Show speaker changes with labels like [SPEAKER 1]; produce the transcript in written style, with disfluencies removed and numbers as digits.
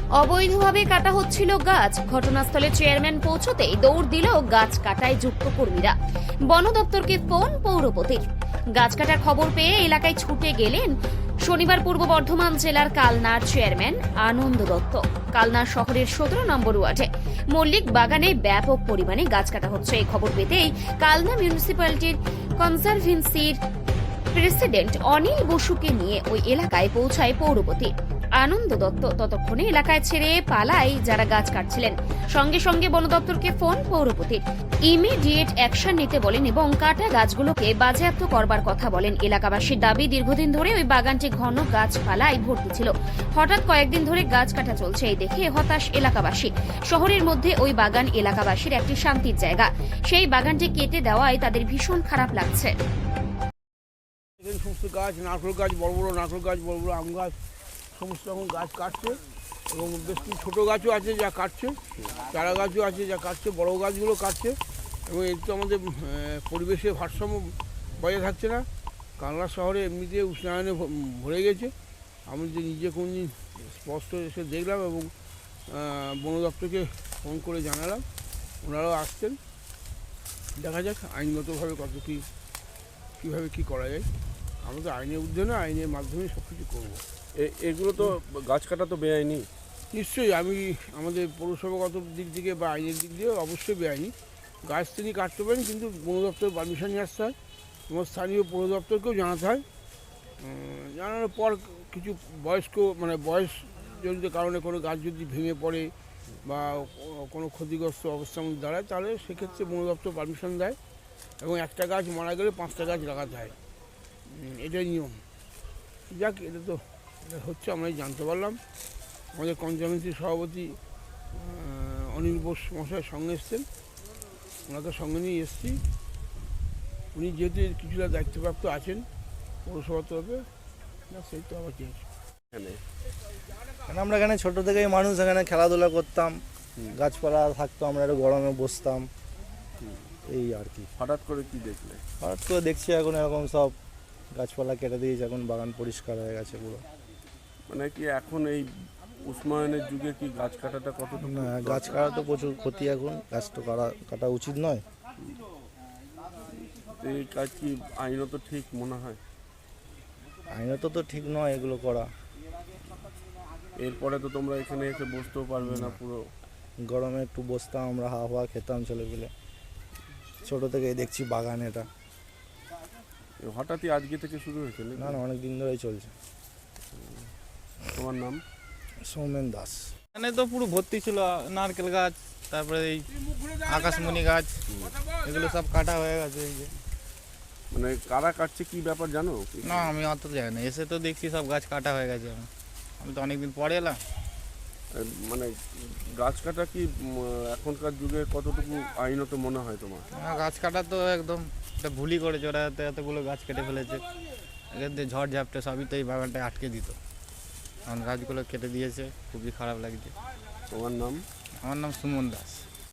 [SPEAKER 1] অবৈধভাবে কাটা হচ্ছিল গাছ। ঘটনাস্থলে চেয়ারম্যান পৌঁছতেই দৌড় দিল গাছ কাটায় যুক্ত কর্মীরা। বন দপ্তরকে ফোন পৌরপতির। গাছ কাটার খবর পেয়ে এলাকায় ছুটে গেলেন শনিবার পূর্ব বর্ধমান জেলার কালনার চেয়ারম্যান আনন্দ দত্ত। কালনা শহরের 17 নম্বর ওয়ার্ডে মল্লিক বাগানে ব্যাপক পরিমাণে গাছ কাটা হচ্ছে। এই খবর পেতেই কালনা মিউনিসিপ্যালিটির কনজারভেন্সির প্রেসিডেন্ট অনিল বসুকে নিয়ে ওই এলাকায় পৌঁছায় পৌরপতি আনন্দ দত্ত। ততক্ষণে এলাকায় ছেড়ে পালায় যারা গাছ কাটছিলেন। সঙ্গে সঙ্গে বন দপ্তরকে ফোন পৌরপতির। ইমিডিয়েট অ্যাকশন নিতে বলেন এবং কাটা গাছগুলোকে বাজেয়াপ্ত করবার কথা বলেন। এলাকাবাসীর দাবি, দীর্ঘদিন ধরে ওই বাগানটি ঘন গাছপালায় ভর্তি ছিল। হঠাৎ কয়েকদিন ধরে গাছ কাটা চলছে, এই দেখে হতাশ এলাকাবাসী। শহরের মধ্যে ওই বাগান এলাকাবাসীর একটি শান্তির জায়গা, সেই বাগানটি কেটে দেওয়ায় তাদের ভীষণ খারাপ লাগছে।
[SPEAKER 2] সমস্ত গাছ, নারকেল গাছ, বড় বড় নারকেল গাছ, বড় বড় আম গাছ, সমস্ত রকম গাছ কাটছে এবং বেশ কিছু ছোটো গাছও আছে যা কাটছে, চারা গাছও আছে যা কাটছে, বড় গাছগুলো কাটছে এবং এর তো আমাদের পরিবেশের ভারসাম্য বজায় থাকছে না। কালনা শহরে এমনিতে উষ্ণায়নে ভরে গেছে। আমি যে নিজে কোনদিন স্পষ্ট এসে দেখলাম এবং বন দপ্তরকে ফোন করে জানালাম, ওনারাও আসছেন। দেখা যাক আইনগতভাবে কত কীভাবে কী করা যায়। আমরা তো আইনের ঊর্ধ্বে না, আইনের মাধ্যমে সব কিছু করবো।
[SPEAKER 3] এগুলো তো গাছ কাটা তো বেআইনি।
[SPEAKER 2] নিশ্চয়ই আমি আমাদের পৌরসভাগত দিক থেকে বা আইনের দিক দিয়ে অবশ্যই বেআইনি। গাছ তিনি কাটতে পারেন, কিন্তু বন দপ্তর পারমিশন নিয়ে আসতে হয় এবং স্থানীয় পৌর দপ্তরকেও জানাতে হয়। জানানোর পর কিছু বয়সজনিত কারণে কোনো গাছ যদি ভেঙে পড়ে বা কোনো ক্ষতিগ্রস্ত অবস্থার মধ্যে দাঁড়ায়, তাহলে সেক্ষেত্রে বন দপ্তর পারমিশন দেয় এবং একটা গাছ মারা গেলে 5টা গাছ লাগাতে হয়। এটাই নিয়ম। যাক, এটা হচ্ছে, আমরাই জানতে পারলাম। আমাদের কনজারভেন্সির সভাপতি অনিল বোস মশাই সঙ্গে এসছেন, ওনাকে সঙ্গে নিয়ে এসছি। উনি যেহেতু কিছুটা দায়িত্বপ্রাপ্ত আছেন পৌরসভার তরফে, না সেই তো আবার চেয়েছি।
[SPEAKER 4] আমরা এখানে ছোটো থেকেই মানুষ এখানে খেলাধুলা করতাম, গাছপালা থাকতো, আমরা একটু গরমে বসতাম, এই আর কি।
[SPEAKER 3] হঠাৎ করে কি দেখলে?
[SPEAKER 4] হঠাৎ করে দেখছি এখন এরকম সব গাছপালা কেটে দিয়েছে, এখন বাগান পরিষ্কার হয়ে গেছে পুরো।
[SPEAKER 3] মানে কি এখন এই উষ্ণায়নের যুগে কি গাছ কাটাটা কতটুকু?
[SPEAKER 4] না, গাছ কাটা তো প্রচুর ক্ষতি, এখন গাছ তো কাটা উচিত নয়।
[SPEAKER 3] এই কাজ কি আইনত ঠিক মনে হয়?
[SPEAKER 4] আইনত তো ঠিক নয় এগুলো করা।
[SPEAKER 3] এরপরে তো তোমরা এখানে এসে বসতেও পারবে না। পুরো
[SPEAKER 4] গরমে একটু বসতাম, আমরা হাওয়া খেতাম ছেলে পেলে, ছোটো থেকেই দেখছি বাগান এটা।
[SPEAKER 3] হঠাৎই আজকে থেকে শুরু হয়েছে?
[SPEAKER 4] না না, অনেক দিন ধরেই চলছে।
[SPEAKER 3] তোমার নাম?
[SPEAKER 4] সৌমেন দাস।
[SPEAKER 5] এখানে তো পুরো ভর্তি ছিল নারকেল গাছ, তারপরে এই আকাশমণি গাছ, এগুলো সব কাটা হয়ে গেছে। এই যে
[SPEAKER 3] মানে কারা কাটছে, কি ব্যাপার জানো?
[SPEAKER 5] না, আমি অত জানি না, এসে তো দেখছি সব গাছ কাটা হয়ে গেছে। আমি তো অনেকদিন পরে এলাম।
[SPEAKER 3] মানে গাছ কাটা কি এখনকার যুগে কতটুকু আইনত মনে হয় তোমার?
[SPEAKER 5] গাছ কাটা তো একদম একটা ভুলই করেছে ওরা, এতগুলো গাছ কেটে ফেলেছে। এখান থেকে ঝড় ঝাপটে সবই তো এই বাগানটায় আটকে দিত, এখন গাছগুলো কেটে দিয়েছে, খুবই খারাপ লাগছে।
[SPEAKER 3] তোমার নাম?
[SPEAKER 5] আমার নাম সুমন দাস।